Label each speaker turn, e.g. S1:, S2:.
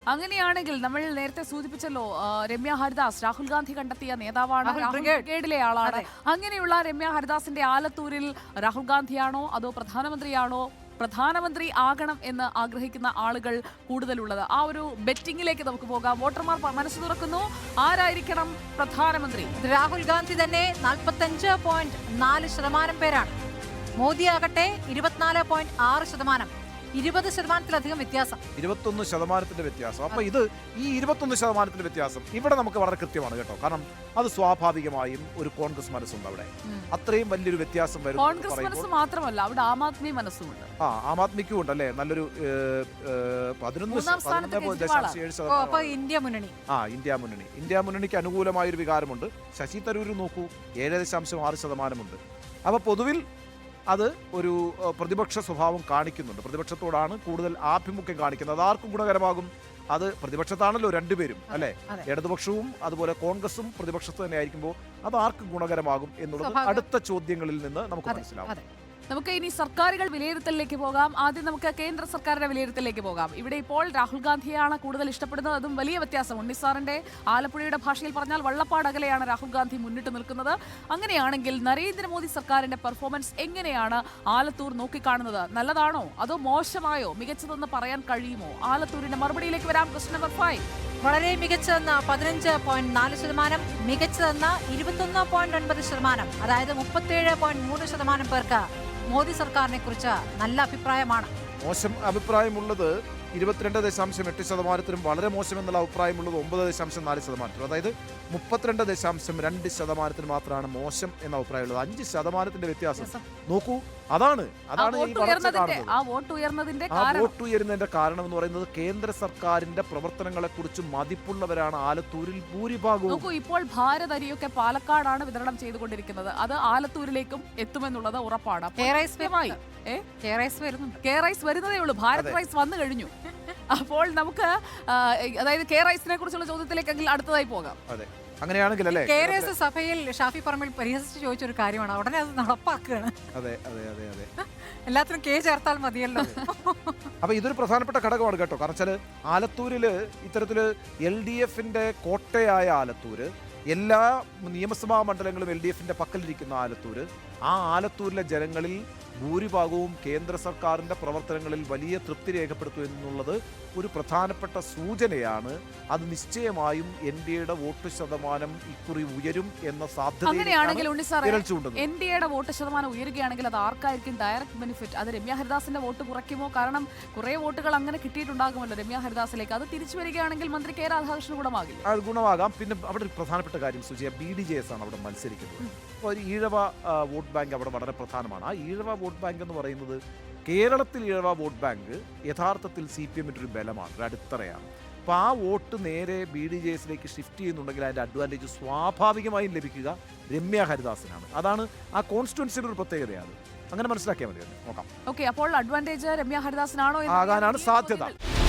S1: അങ്ങനെയാണെങ്കിൽ നമ്മൾ നേരത്തെ സൂചിപ്പിച്ചല്ലോ, രമ്യ ഹരിദാസ് രാഹുൽ ഗാന്ധി കണ്ടെത്തിയ നേതാവാണ്, ബ്രിഗേഡിലെ ആളാണ്. അങ്ങനെയുള്ള രമ്യ ഹരിദാസിന്റെ ആലത്തൂരിൽ രാഹുൽ ഗാന്ധിയാണോ അതോ പ്രധാനമന്ത്രിയാണോ, പ്രധാനമന്ത്രി ആകണം എന്ന് ആഗ്രഹിക്കുന്ന ആളുകൾ കൂടുതലുള്ളത്? ആ ഒരു ബെറ്റിംഗിലേക്ക് നമുക്ക് പോകാം. വോട്ടർമാർ മനസ്സ് തുറക്കുന്നു. ആരായിരിക്കണം പ്രധാനമന്ത്രി?
S2: രാഹുൽ ഗാന്ധി തന്നെ 45.4% പേരാണ്. മോദി ആകട്ടെ 24.6%. 20%-ലധികം വ്യത്യാസം.
S3: 21% വ്യത്യാസം. അപ്പൊ ഇത് ഈ 21% വ്യത്യാസം ഇവിടെ നമുക്ക് വളരെ കൃത്യമാണ് കേട്ടോ. കാരണം അത് സ്വാഭാവികമായും ഒരു കോൺഗ്രസ് മനസ്സുണ്ട് അവിടെ. അത്രയും വലിയൊരു വ്യത്യാസം വരും.
S1: കോൺഗ്രസ് മനസ്സ് മാത്രമല്ല, അവിടെ ആം ആദ്മി മനസ്സുമുണ്ട്.
S3: ആം ആദ്മിക്കും ഉണ്ടല്ലേ നല്ലൊരു
S2: 11.7%.
S3: ഇന്ത്യ മുന്നണിക്ക് അനുകൂലമായ ഒരു വികാരമുണ്ട്. ശശി തരൂർ നോക്കൂ, 7.6%. അപ്പൊ പൊതുവിൽ അത് ഒരു പ്രതിപക്ഷ സ്വഭാവം കാണിക്കുന്നുണ്ട്. പ്രതിപക്ഷത്തോടാണ് കൂടുതൽ ആഭിമുഖ്യം കാണിക്കുന്നത്. അത് ആർക്കും ഗുണകരമാകും. അത് പ്രതിപക്ഷത്താണല്ലോ രണ്ടുപേരും അല്ലെ, ഇടതുപക്ഷവും അതുപോലെ കോൺഗ്രസും പ്രതിപക്ഷത്ത് തന്നെ ആയിരിക്കുമ്പോൾ അത് ആർക്കും ഗുണകരമാകും എന്നുള്ളത് അടുത്ത ചോദ്യങ്ങളിൽ നിന്ന് നമുക്ക് മനസ്സിലാവും.
S1: നമുക്ക് ഇനി സർക്കാരുകൾ വിലയിരുത്തലിലേക്ക് പോകാം. ആദ്യം നമുക്ക് കേന്ദ്ര സർക്കാരിന്റെ വിലയിരുത്തലിലേക്ക് പോകാം. ഇവിടെ ഇപ്പോൾ രാഹുൽ ഗാന്ധിയാണ് കൂടുതൽ ഇഷ്ടപ്പെടുന്നത്. അതും വലിയ വ്യത്യാസം. ഉണ്ണിസാറിന്റെ ആലപ്പുഴയുടെ ഭാഷയിൽ പറഞ്ഞാൽ വള്ളപ്പാട് അകലെയാണ് രാഹുൽ ഗാന്ധി മുന്നിട്ട് നിൽക്കുന്നത്. അങ്ങനെയാണെങ്കിൽ നരേന്ദ്രമോദി സർക്കാരിന്റെ പെർഫോമൻസ് എങ്ങനെയാണ് ആലത്തൂർ നോക്കിക്കാണുന്നത്? നല്ലതാണോ അതോ മോശമായോ, മികച്ചതെന്ന് പറയാൻ കഴിയുമോ? ആലത്തൂരിന്റെ മറുപടിയിലേക്ക് വരാം. Question number 5.
S2: വളരെ മികച്ചതെന്ന 15.4%, മികച്ചതെന്ന 21.9%. അതായത് 37.3% പേർക്ക് മോദി സർക്കാരിനെ കുറിച്ച് നല്ല അഭിപ്രായമാണ്.
S3: മോശം അഭിപ്രായമുള്ളത് 22.8%, വളരെ മോശം എന്നുള്ള അഭിപ്രായമുള്ളത് 9.4%. അതായത് 32.2% മാത്രമാണ് മോശം എന്ന അഭിപ്രായമുള്ളത്. 5% വ്യത്യാസം നോക്കൂ. അതാണ്
S1: വോട്ട് ഉയർന്നതിന്റെ
S3: കാരണം എന്ന് പറയുന്നത് കേന്ദ്ര സർക്കാരിന്റെ പ്രവർത്തനങ്ങളെ കുറിച്ച് മതിപ്പുള്ളവരാണ് ആലത്തൂരിൽ ഭൂരിഭാഗവും.
S1: നോക്കൂ, ഇപ്പോൾ ഭാരത് അരിയൊക്കെ പാലക്കാടാണ് വിതരണം ചെയ്തുകൊണ്ടിരിക്കുന്നത്. അത് ആലത്തൂരിലേക്കും എത്തുമെന്നുള്ളത് ഉറപ്പാണ്. വരുന്നതേ ഉള്ളൂ. ഭാരത് റൈസ് വന്നു കഴിഞ്ഞു. അപ്പോൾ നമുക്ക് അതായത് കെ റൈസിനെ കുറിച്ചുള്ള ചോദ്യത്തിലേക്കെങ്കിൽ അടുത്തതായി പോകാം.
S3: അതെ, അങ്ങനെയാണെങ്കിൽ അല്ലേ,
S2: കെ സഭയിൽ ഷാഫി പറമ്പിൽ പരിഹസിച്ച് ചോദിച്ചൊരു കാര്യമാണ്. ഉടനെ അത് നടപ്പാക്കുകയാണ്.
S3: അതെ അതെ അതെ അതെ
S2: എല്ലാത്തിനും കെ ചേർത്താൽ മതിയല്ലോ.
S3: അപ്പൊ ഇതൊരു പ്രധാനപ്പെട്ട ഘടകമാണ് കേട്ടോ. കാരണം വെച്ചാൽ ആലത്തൂരില് ഇത്തരത്തില് LDFന്റെ കോട്ടയായ ആലത്തൂര്, എല്ലാ നിയമസഭാ മണ്ഡലങ്ങളും LDFന്റെ പക്കലിരിക്കുന്ന ആലത്തൂര്, ആ ആലത്തൂരിലെ ജനങ്ങളിൽ ഭൂരിഭാഗവും കേന്ദ്ര സർക്കാരിൻ്റെ പ്രവർത്തനങ്ങളിൽ വലിയ തൃപ്തി രേഖപ്പെടുത്തും എന്നുള്ളത് ഒരു പ്രധാനപ്പെട്ട സൂചനയാണ്. അത് നിശ്ചയമായും NDAയുടെ വോട്ട് ശതമാനം ഇക്കുറി ഉയരും എന്ന സാധ്യത.
S1: NDAയുടെ വോട്ട് ശതമാനം ഉയരുകയാണെങ്കിൽ അത് ആർക്കായിരിക്കും ഡയറക്റ്റ് ബെനിഫിറ്റ്? അത് രമ്യ ഹരിദാസിന്റെ വോട്ട് കുറയ്ക്കുമോ? കാരണം കുറെ വോട്ടുകൾ അങ്ങനെ കിട്ടിയിട്ടുണ്ടാകുമല്ലോ രമ്യ ഹരിദാസിലേക്ക്. അത് തിരിച്ചു വരികയാണെങ്കിൽ മന്ത്രി കെ രാധാകൃഷ്ണൻ
S3: ഗുണമാകാം. പിന്നെ അവിടെ ഒരു പ്രധാനപ്പെട്ട കാര്യം സുജിയ, BDJS ആണ് അവിടെ മത്സരിക്കുന്നത്. അപ്പോൾ ഒരു ഈഴവ വോട്ട് ബാങ്ക് അവിടെ വളരെ പ്രധാനമാണ്. ആ ഈഴവ വോട്ട് ബാങ്ക് എന്ന് പറയുന്നത്, കേരളത്തിൽ ഈഴവ വോട്ട് ബാങ്ക് യഥാർത്ഥത്തിൽ CPMന്റെ ഒരു ബലമാണ്, ഒരു അടിത്തറയാണ്. അപ്പോൾ ആ വോട്ട് നേരെ BDJSലേക്ക് ഷിഫ്റ്റ് ചെയ്യുന്നുണ്ടെങ്കിൽ അതിൻ്റെ അഡ്വാൻറ്റേജ് സ്വാഭാവികമായും ലഭിക്കുക രമ്യ ഹരിദാസിനാണ്. അതാണ് ആ കോൺസ്റ്റിറ്റ്യുവൻസിയുടെ ഒരു പ്രത്യേകതയാണ്. അങ്ങനെ മനസ്സിലാക്കിയാൽ മതി. നോക്കാം.
S1: ഓക്കെ, അപ്പോൾ അഡ്വാൻറ്റേജ് രമ്യ ഹരിദാസിനാണോ
S3: ആകാനാണ് സാധ്യത.